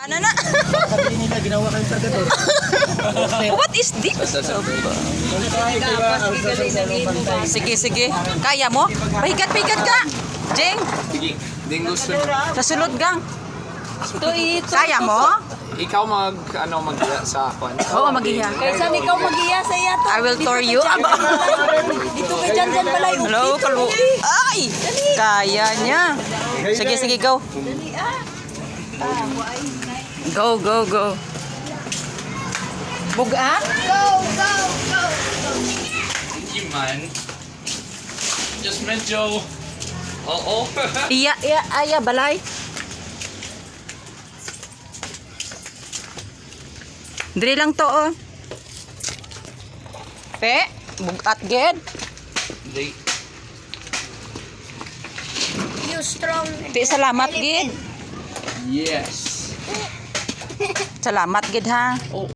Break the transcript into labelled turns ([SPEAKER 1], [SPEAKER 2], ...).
[SPEAKER 1] Ano na?
[SPEAKER 2] Sabi nila, ginawa kayong kargador.
[SPEAKER 1] What is this? Sige, sige. Kaya mo? Pahigat ka. Jeng,
[SPEAKER 3] Sige, dingos
[SPEAKER 1] sa sulod gang. Kaya mo?
[SPEAKER 3] Ikaw mag-iya sa kwan.
[SPEAKER 1] Oo, mag-iha.
[SPEAKER 4] Kaysa ikaw mag-iya sa iya to.
[SPEAKER 1] I will tour you.
[SPEAKER 4] Dito ka dyan pala yung
[SPEAKER 1] Hello, kalu. Ay! Kaya niya. Sige, sige, go. Go. Buga?
[SPEAKER 3] Hindi man. Just medyo... Oo.
[SPEAKER 1] Iya, balay. Diri lang to, oh. Pe, bugat ged.
[SPEAKER 3] Hindi.
[SPEAKER 4] You strong.
[SPEAKER 1] Pe, salamat gid.
[SPEAKER 3] Yes.
[SPEAKER 1] Salamat gid ha.